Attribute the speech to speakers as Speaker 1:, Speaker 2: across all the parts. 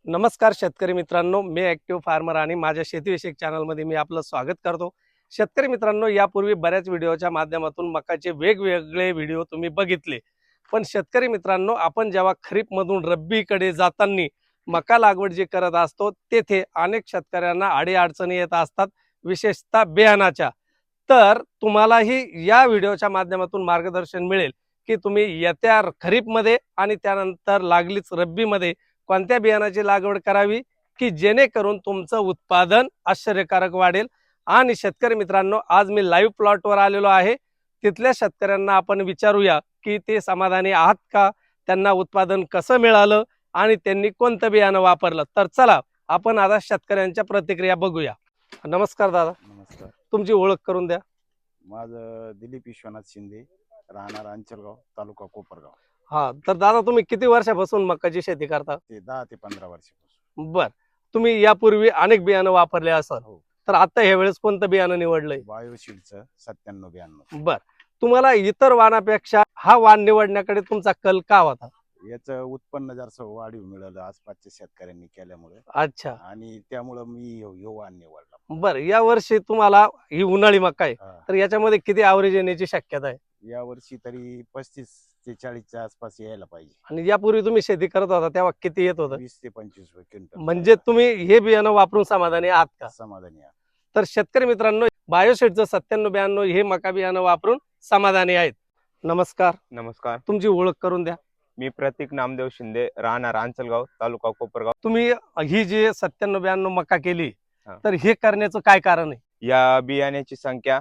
Speaker 1: नमस्कार शेतकरी मित्रांनो, मी ॲक्टिव्ह फार्मर आणि माझ्या शेतीविषयक चॅनलमध्ये मी आपलं स्वागत करतो. शेतकरी मित्रांनो, यापूर्वी बऱ्याच व्हिडिओच्या माध्यमातून मकाचे वेगवेगळे व्हिडिओ तुम्ही बघितले. पण शेतकरी मित्रांनो, आपण जेव्हा खरीपमधून रब्बीकडे जाताना मका लागवड जी करत असतो, तेथे अनेक शेतकऱ्यांना अडीअडचणी येत असतात, विशेषतः बियाणाच्या. तर तुम्हालाही या व्हिडिओच्या माध्यमातून मार्गदर्शन मिळेल की तुम्ही येत्या खरीपमध्ये आणि त्यानंतर लागलीच रब्बीमध्ये कोणत्या बियाणाची लागवड करावी की जेणेकरून तुमचं उत्पादन आश्चर्यकारक वाढेल. आणि शेतकरी मित्रांनो, आज मी लाईव्ह प्लॉटवर आलेलो आहे. तिथल्या शेतकऱ्यांना आपण विचारूया की ते समाधानी आहात का, त्यांना उत्पादन कसं मिळालं आणि त्यांनी कोणतं बियाणं वापरलं. तर चला आपण आता शेतकऱ्यांच्या प्रतिक्रिया बघूया. नमस्कार दादा,
Speaker 2: नमस्कार.
Speaker 1: तुमची ओळख करून द्या.
Speaker 2: माझं दिलीप विश्वनाथ शिंदे, राहणार अंचलगाव, तालुका कोपरगाव.
Speaker 1: हा, तर दादा तुम्ही किती वर्षापासून मकाची शेती करता?
Speaker 2: ते 10 ते 15 वर्षापासून.
Speaker 1: बर, तुम्ही यापूर्वी अनेक बियाणं वापरले असाल,
Speaker 2: हो.
Speaker 1: तर आता ह्या वेळेस कोणतं बियाणं निवडलंय?
Speaker 2: बायोशील्डचं 9792.
Speaker 1: बर, तुम्हाला इतर वाणापेक्षा हा वाण निवडण्याकडे तुमचा कल का होता?
Speaker 2: याचं उत्पन्न जास्त वाढीव मिळालं आसपासच्या शेतकऱ्यांनी केल्यामुळे,
Speaker 1: अच्छा,
Speaker 2: आणि त्यामुळं मी ह्यो वाण निवडला.
Speaker 1: बर. या वर्षी तुम्हाला ही उन्हाळी मका आहे,
Speaker 2: हा.
Speaker 1: तर याच्यामध्ये किती ॲव्हरेज येण्याची शक्यता आहे?
Speaker 2: या वर्षी तरी 35 ते 40च्या आसपास यायला पाहिजे.
Speaker 1: आणि यापूर्वी तुम्ही शेती करत होता तेव्हा किती येत होतं?
Speaker 2: 20 ते 25 क्विंटल.
Speaker 1: म्हणजे तुम्ही हे बियाणं वापरून समाधानी आहात का?
Speaker 2: समाधानी आहे.
Speaker 1: तर शेतकरी मित्रांनो, बायोशेटचं 9792 हे मका बियाणं वापरून समाधानी आहेत. नमस्कार,
Speaker 3: नमस्कार.
Speaker 1: तुमची ओळख करून द्या.
Speaker 3: मी प्रतीक नामदेव शिंदे, राहणार अंचलगाव, तालुका कोपरगाव.
Speaker 1: तुम्ही ही जी 9792 मका केली,
Speaker 3: हा.
Speaker 1: तर हे करण्याचं काय कारण आहे?
Speaker 3: या बियाण्याची संख्या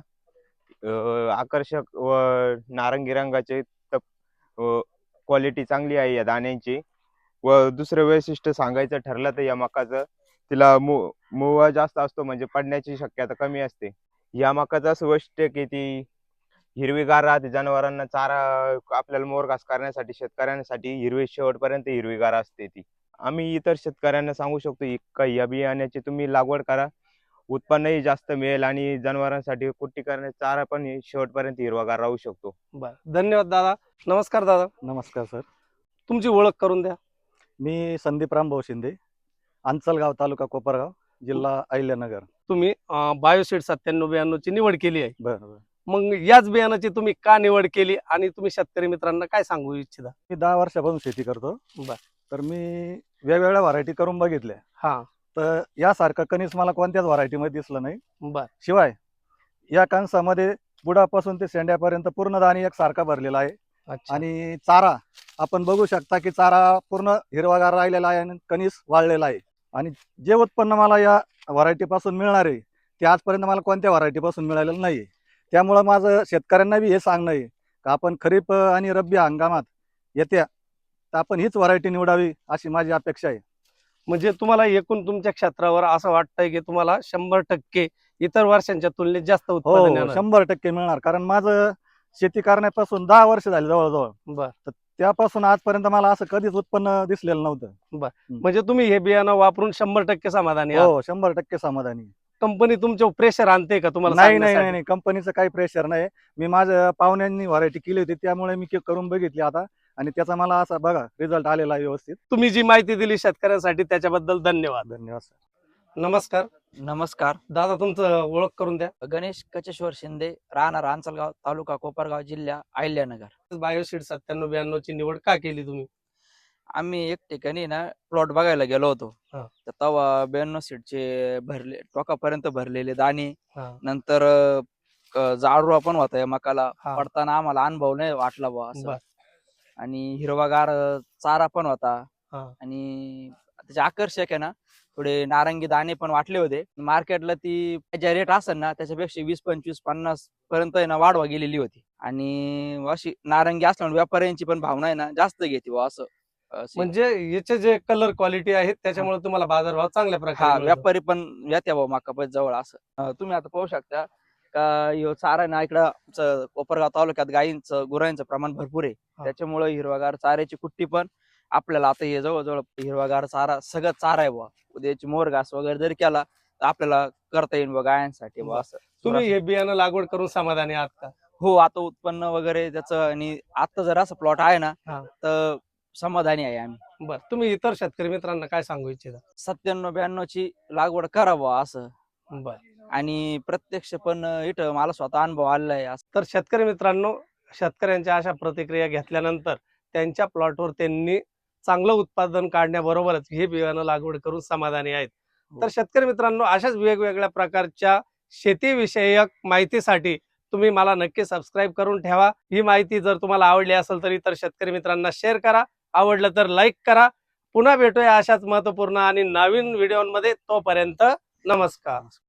Speaker 3: आकर्षक व नारंगी रंगाचे, क्वालिटी चांगली आहे या दाण्यांची. व दुसरं वैशिष्ट्य सांगायचं ठरलं तर या मकाचं, तिला मुवा जास्त असतो, म्हणजे पडण्याची शक्यता कमी असते. या मकाचं असं वैशिष्ट्य की ती हिरवीगार राहते. जनावरांना चारा, आपल्याला मोरघास करण्यासाठी, शेतकऱ्यांसाठी हिरवी शेवटपर्यंत हिरवीगार असते ती. आम्ही इतर शेतकऱ्यांना सांगू शकतो का या बियाण्याची तुम्ही लागवड करा, उत्पन्नही जास्त मिळेल आणि जनावरांसाठी कुट्टी करण्याचा चारा पण शेवटपर्यंत हिरवागार राहू शकतो.
Speaker 1: बर, धन्यवाद दादा. नमस्कार दादा,
Speaker 4: नमस्कार सर.
Speaker 1: तुमची ओळख करून द्या.
Speaker 4: मी संदीप रामभाऊ शिंदे, अंचलगाव, तालुका कोपरगाव, जिल्हा अहिल्यानगर.
Speaker 1: तुम्ही बायोशीट 9792 ची निवड केली आहे.
Speaker 4: बरं.
Speaker 1: मग याच बियाणाची तुम्ही का निवड केली आणि तुम्ही शेतकरी मित्रांना काय सांगू इच्छिता?
Speaker 4: मी 10 वर्षापासून शेती करतो.
Speaker 1: बर.
Speaker 4: तर मी वेगवेगळ्या व्हरायटी करून बघितल्या.
Speaker 1: हा.
Speaker 4: तर यासारखं कणीस मला कोणत्याच व्हरायटीमध्ये दिसलं नाही.
Speaker 1: बर.
Speaker 4: शिवाय या कणसामध्ये बुडापासून ते शेंड्यापर्यंत पूर्ण दाणे एकसारखा भरलेला आहे.
Speaker 1: अच्छा.
Speaker 4: आणि चारा आपण बघू शकता की चारा पूर्ण हिरवागार राहिलेला आहे आणि कणीस वाळलेला आहे. आणि जे उत्पन्न मला या व्हरायटीपासून मिळणार आहे ते आजपर्यंत मला कोणत्या व्हरायटीपासून मिळालेलं नाही. त्यामुळं माझं शेतकऱ्यांना बी हे सांगणं आहे का आपण खरीप आणि रब्बी हंगामात येत्या तर आपण हीच व्हरायटी निवडावी अशी माझी अपेक्षा आहे.
Speaker 1: म्हणजे तुम्हाला एकूण तुमच्या क्षेत्रावर असं वाटतंय की तुम्हाला 100% इतर वर्षांच्या तुलनेत जास्त उत्पादन
Speaker 4: हो,
Speaker 1: येणार?
Speaker 4: 100% मिळणार. कारण माझं शेती करण्यापासून 10 वर्ष झाली जवळजवळ.
Speaker 1: बर.
Speaker 4: तर त्यापासून आजपर्यंत मला असं कधीच उत्पन्न दिसलेलं नव्हतं.
Speaker 1: म्हणजे तुम्ही हे बियाणं वापरून 100% समाधानी आहात?
Speaker 4: हो, 100% समाधानी.
Speaker 1: कंपनी तुमच्या प्रेशर आणते का तुम्हाला
Speaker 4: नाही नाही
Speaker 1: सांगण्यासाठी?
Speaker 4: नाही, कंपनीचं काही प्रेशर नाही. मी माझ्या पाहुण्यांनी व्हरायटी केली होती त्यामुळे मी करून बघितली आता, आणि त्याचा मला असा बघा रिझल्ट आलेला आहे व्यवस्थित.
Speaker 1: तुम्ही जी माहिती दिली शेतकऱ्यांसाठी त्याच्याबद्दल धन्यवाद.
Speaker 4: धन्यवाद सर.
Speaker 1: नमस्कार
Speaker 5: नमस्कार.
Speaker 1: दादा, तुमचं ओळख करून द्या.
Speaker 5: गणेश कचेश्वर शिंदे, राहणार अंचलगाव, तालुका कोपरगाव, जिल्हा अहिल्यानगर.
Speaker 1: बायोशीट 9792 ची निवड का केली तुम्ही?
Speaker 5: आम्ही एक ठिकाणी ना प्लॉट बघायला गेलो होतो.
Speaker 1: हा.
Speaker 5: तर तेव्हा 92 सीटचे भरले, टोकापर्यंत भरलेले दाणे,
Speaker 1: हा.
Speaker 5: नंतर जाडवा पण होता या मकाला.
Speaker 1: हा.
Speaker 5: पडताना आम्हाला अनुभव नाही वाटला बुवा असं.
Speaker 1: बर.
Speaker 5: आणि हिरवागार चारा पण होता.
Speaker 1: हा.
Speaker 5: आणि त्याचे आकर्षक आहे ना, थोडे नारंगी दाणे पण वाटले होते. मार्केटला ती ज्या रेट असेल ना त्याच्यापेक्षा 20, 25, 50 पर्यंत आहे ना वाढवा गेलेली होती. आणि अशी नारंगी असल्यामुळे व्यापाऱ्यांची पण भावना आहे ना जास्त घेते बुवा असं.
Speaker 1: म्हणजे याचे जे कलर क्वालिटी आहेत त्याच्यामुळे तुम्हाला बाजारभाव चांगल्या
Speaker 5: हा,
Speaker 1: प्रकारे मिळतो.
Speaker 5: व्यापारी पण येत्या भाऊ मका जवळ असं. तुम्ही आता पाहू शकता का ह्यो चारा ना इकडं आमचं कोपरगाव तालुक्यात गायींचं, गुरांचं प्रमाण भरपूर आहे. त्याच्यामुळे हिरवागार चाऱ्याची कुट्टी पण आपल्याला आता हे जवळजवळ हिरवागार चारा सगळं चारा आहे बुवा. उद्याची मोरघास वगैरे जरी केला तर आपल्याला करता येईल बुवा गायांसाठी बुवा असं.
Speaker 1: तुम्ही हे बियाणं लागवड करून समाधानी आहात का?
Speaker 5: हो, आता उत्पन्न वगैरे त्याचं, आणि आता जर असं प्लॉट आहे ना
Speaker 1: हा.
Speaker 5: तर समाधानी आहे आम्ही.
Speaker 1: बर, तुम्ही इतर शेतकरी मित्रांना काय सांगू इच्छिता?
Speaker 5: 97-92 ची लागवड करावं असं.
Speaker 1: बर,
Speaker 5: आणि प्रत्यक्ष पण इथं मला स्वतः अनुभव आलेला आहे असं.
Speaker 1: तर शेतकरी मित्रांनो, शेतकऱ्यांच्या अशा प्रतिक्रिया घेतल्यानंतर त्यांच्या प्लॉटवर त्यांनी चांगलं उत्पादन काढण्याबरोबरच हे बियाणं लागवड करून समाधानी आहेत. तर शेतकरी मित्रांनो, अशाच वेगवेगळ्या प्रकारच्या शेतीविषयक माहितीसाठी तुम्ही मला नक्की सबस्क्राईब करून ठेवा. ही माहिती जर तुम्हाला आवडली असेल तर इतर शेतकरी मित्रांना शेअर करा, आवडलं तर लाईक करा. पुन्हा भेटूया अशाच महत्त्वपूर्ण आणि नवीन व्हिडिओमध्ये. तोपर्यंत नमस्कार.